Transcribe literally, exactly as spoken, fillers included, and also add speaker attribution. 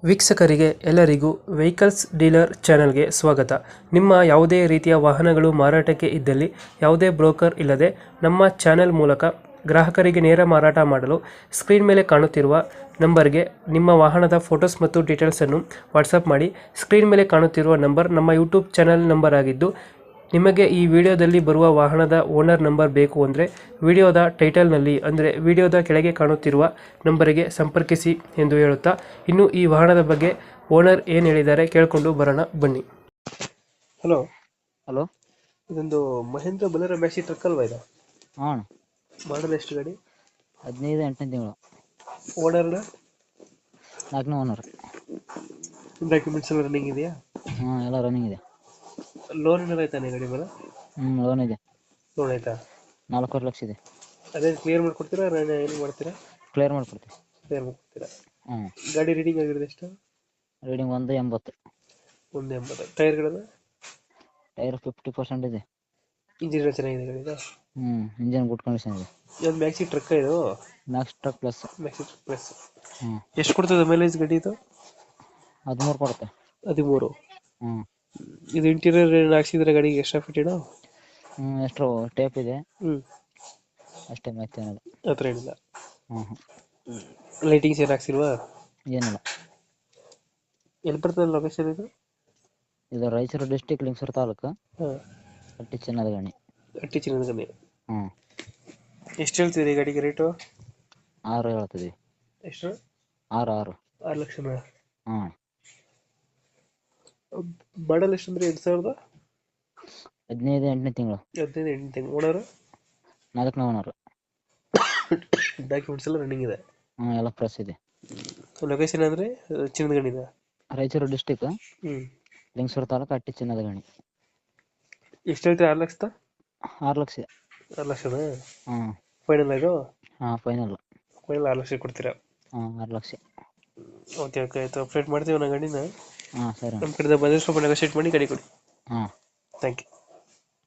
Speaker 1: ವೀಕ್ಷಕರಿಗೆ ಎಲ್ಲರಿಗೂ vehicles dealer ಚಾನೆಲ್ಗೆ ಸ್ವಾಗತ. ನಿಮ್ಮ ಯಾವುದೇ ರೀತಿಯ ವಾಹನಗಳು ಮಾರಾಟಕ್ಕೆ ಇದ್ದಲ್ಲಿ ಯಾವುದೇ ಬ್ರೋಕರ್ ಇಲ್ಲದೆ ನಮ್ಮ ಚಾನೆಲ್ ಮೂಲಕ ಗ್ರಾಹಕರಿಗೆ ನೇರ ಮಾರಾಟ ಮಾಡಲು ಸ್ಕ್ರೀನ್ ಮೇಲೆ ಕಾಣುತ್ತಿರುವ ನಂಬರ್ಗೆ ನಿಮ್ಮ ವಾಹನದ ಫೋಟೋಸ್ ಮತ್ತು ಡೀಟೇಲ್ಸನ್ನು ವಾಟ್ಸಪ್ ಮಾಡಿ. ಸ್ಕ್ರೀನ್ ಮೇಲೆ ಕಾಣುತ್ತಿರುವ ನಂಬರ್ ನಮ್ಮ ಯೂಟ್ಯೂಬ್ ಚಾನೆಲ್ ನಂಬರ್ ಆಗಿದ್ದು, ನಿಮಗೆ ಈ ವಿಡಿಯೋದಲ್ಲಿ ಬರುವ ವಾಹನದ ಓನರ್ ನಂಬರ್ ಬೇಕು ಅಂದರೆ ವಿಡಿಯೋದ ಟೈಟಲ್ನಲ್ಲಿ ಅಂದರೆ ವಿಡಿಯೋದ ಕೆಳಗೆ ಕಾಣುತ್ತಿರುವ ನಂಬರಿಗೆ ಸಂಪರ್ಕಿಸಿ ಎಂದು ಹೇಳುತ್ತಾ, ಇನ್ನು ಈ ವಾಹನದ ಬಗ್ಗೆ ಓನರ್ ಏನು ಹೇಳಿದ್ದಾರೆ ಕೇಳಿಕೊಂಡು ಬರೋಣ ಬನ್ನಿ. ಹಲೋ
Speaker 2: ಹಲೋ,
Speaker 1: ಇದೊಂದು ಮಹೇಂದ್ರ ಬಲೇರೋ ಮ್ಯಾಕ್ಸಿ ಟ್ರಕ್ ಅಲ್ವಾ ಇದು?
Speaker 2: ಹಾಂ
Speaker 1: ಮಾಡಲ್ ಎಷ್ಟು ಗಾಡಿ?
Speaker 2: ಹದಿನೈದು ಎಂಟನೇ ತಿಂಗಳು.
Speaker 1: ಓನರ್
Speaker 2: ನಾಲ್ಕನೇ ಓನರ್.
Speaker 1: ಡಾಕ್ಯುಮೆಂಟ್ಸ್ ಎಲ್ಲ ರನ್ನಿಂಗ್ ಇದೆಯಾ?
Speaker 2: ಹಾಂ, ಎಲ್ಲ ರನ್ನಿಂಗ್ ಇದೆ.
Speaker 1: ಲೋನ್ ಏನಾರ ಆಯ್ತಾನೆ ಗಾಡಿ ಮೇಲೆ?
Speaker 2: ಹ್ಞೂ, ಲೋನ್ ಇದೆ.
Speaker 1: ಲೋನ್ ಆಯ್ತಾ?
Speaker 2: ನಾಲ್ಕೂವರೆ ಲಕ್ಷ ಇದೆ.
Speaker 1: ಅದೇ ಕ್ಲಿಯರ್ ಮಾಡ್ಕೊಡ್ತೀರಾ ಏನು ಮಾಡ್ತೀರಾ?
Speaker 2: ಕ್ಲಿಯರ್ ಮಾಡಿಕೊಡ್ತೀವಿ.
Speaker 1: ಕ್ಲಿಯರ್ ಮಾಡ್ಕೊಡ್ತೀರಾ?
Speaker 2: ಹ್ಞೂ.
Speaker 1: ಗಾಡಿ ರೀಡಿಂಗ್ ಆಗಿರೋದು ಎಷ್ಟು?
Speaker 2: ರೀಡಿಂಗ್ ಒಂದು ಎಂಬತ್ತು.
Speaker 1: ಒಂದು ಎಂಬತ್ತು. ಟೈರ್ಗಳನ್ನು?
Speaker 2: ಟೈರ್ ಫಿಫ್ಟಿ ಪರ್ಸೆಂಟ್ ಇದೆ.
Speaker 1: ಇಂಜಿನ್ ಎಲ್ಲ ಚೆನ್ನಾಗಿದೆ ಗಾಡಿದು?
Speaker 2: ಹ್ಞೂ, ಇಂಜನ್ ಗುಡ್ ಕಂಡೀಷನ್ ಇದೆ.
Speaker 1: ಇದೊಂದು ಮ್ಯಾಕ್ಸಿ ಟ್ರಕ್ ಇದು?
Speaker 2: Max truck plus.
Speaker 1: Maxi truck plus.
Speaker 2: ಹ್ಞೂ.
Speaker 1: ಎಷ್ಟು ಕೊಡ್ತದೆ ಮೈಲೇಜ್ ಗಾಡಿ ಇದು?
Speaker 2: ಹದಿಮೂರು ಕೊಡುತ್ತೆ.
Speaker 1: ಹದಿಮೂರು.
Speaker 2: ಹ್ಞೂ.
Speaker 1: ಇದು ಇಂಟೀರಿಯರ್ ಏನು ಹಾಕ್ಸಿದ್ರೆ ಗಾಡಿಗೆ ಎಕ್ಸ್ಟ್ರಾ ಫಿಟ್ಟಿಡು?
Speaker 2: ಹ್ಞೂ, ಎಷ್ಟು ಟೇಪ್ ಇದೆ
Speaker 1: ಹ್ಞೂ,
Speaker 2: ಅಷ್ಟೇ, ಮತ್ತೆ ಏನಿಲ್ಲ.
Speaker 1: ಆ ಥರ ಏನಿಲ್ಲ.
Speaker 2: ಹ್ಞೂ ಹ್ಞೂ.
Speaker 1: ಲೈಟಿಂಗ್ಸ್ ಏನು ಹಾಕ್ಸಿಲ್ವಾ?
Speaker 2: ಏನಿಲ್ಲ.
Speaker 1: ಎಲ್ಲಿ ಬರ್ತದೆ ಲೊಕೇಶನ್ ಇದು?
Speaker 2: ಇದು ರಾಯಚೂರು ಡಿಸ್ಟಿಕ್, ಲಿಂಗಸೂರು ತಾಲೂಕು,
Speaker 1: ಹಾಂ.
Speaker 2: ಹಟ್ಟಿ ಚಿನ್ನದ ಗಣಿ.
Speaker 1: ಹಟ್ಟಿ ಚಿನ್ನದ ಗಣಿ.
Speaker 2: ಹ್ಞೂ.
Speaker 1: ಎಷ್ಟು ಹೇಳ್ತೀರಿ ಗಾಡಿಗೆ ರೇಟು?
Speaker 2: ಆರು ಹೇಳ್ತಿದ್ವಿ.
Speaker 1: ಎಷ್ಟು?
Speaker 2: ಆರು ಆರು
Speaker 1: ಆರು ಲಕ್ಷನಾ?
Speaker 2: ಹ್ಞೂ.
Speaker 1: ಮಾಡಲ್ ಎಷ್ಟು ಅಂದ್ರೆ ಎರಡು ಸಾವಿರದ
Speaker 2: ಹದಿನೈದು ಎಂಟನೇ ತಿಂಗಳು.
Speaker 1: ಹದಿನೈದು ಎಂಟು ತಿಂಗಳು. ಓನರು?
Speaker 2: ನಾಲ್ಕನೇ ಓನರು.
Speaker 1: ಡಾಕ್ಯುಮೆಂಟ್ಸ್ ಎಲ್ಲ ರನ್ನಿಂಗ್ ಇದೆ?
Speaker 2: ಹ್ಞೂ, ಎಲ್ಲ ಫ್ರೆಶ್ ಇದೆ.
Speaker 1: ಲೊಕೇಶನ್ ಅಂದರೆ ಚಿನ್ನದ ಗಣಿದ?
Speaker 2: ರಾಯಚೂರು ಡಿಸ್ಟಿಕ್,
Speaker 1: ಹ್ಞೂ.
Speaker 2: ಲಿಂಗಸೂರು ತಾಲೂಕು, ಹಟ್ಟಿ ಚಿನ್ನದ ಗಣಿ.
Speaker 1: ಎಷ್ಟು ಹೇಳ್ತೀರಿ? ಆರು ಲಕ್ಷದ?
Speaker 2: ಆರು ಲಕ್ಷ.
Speaker 1: ಆರು ಲಕ್ಷನಾ?
Speaker 2: ಹ್ಞೂ.
Speaker 1: ಫೈನಲ್ ಇದು?
Speaker 2: ಹಾಂ, ಫೈನಲ್.
Speaker 1: ಫೈನಲ್ ಆರು ಲಕ್ಷ ಕೊಡ್ತೀರಾ?
Speaker 2: ಹಾಂ, ಆರು ಲಕ್ಷ.
Speaker 1: ಓಕೆ ಓಕೆ ಆಯಿತು, ಅಪ್ಡೇಟ್ ಮಾಡ್ತೀವಿ ನಾವು ಗಾಡಿನ.
Speaker 2: ಹಾಂ, ಸರಿ.
Speaker 1: ನಮ್ಮ ಕಡೆಯಿಂದ ಬಂದರೆ ಸ್ವಲ್ಪ ನೆಗೋಶಿಯೇಟ್ ಮಾಡಿ ಗಾಡಿ ಕೊಡಿ.
Speaker 2: ಹಾಂ.
Speaker 1: Thank you.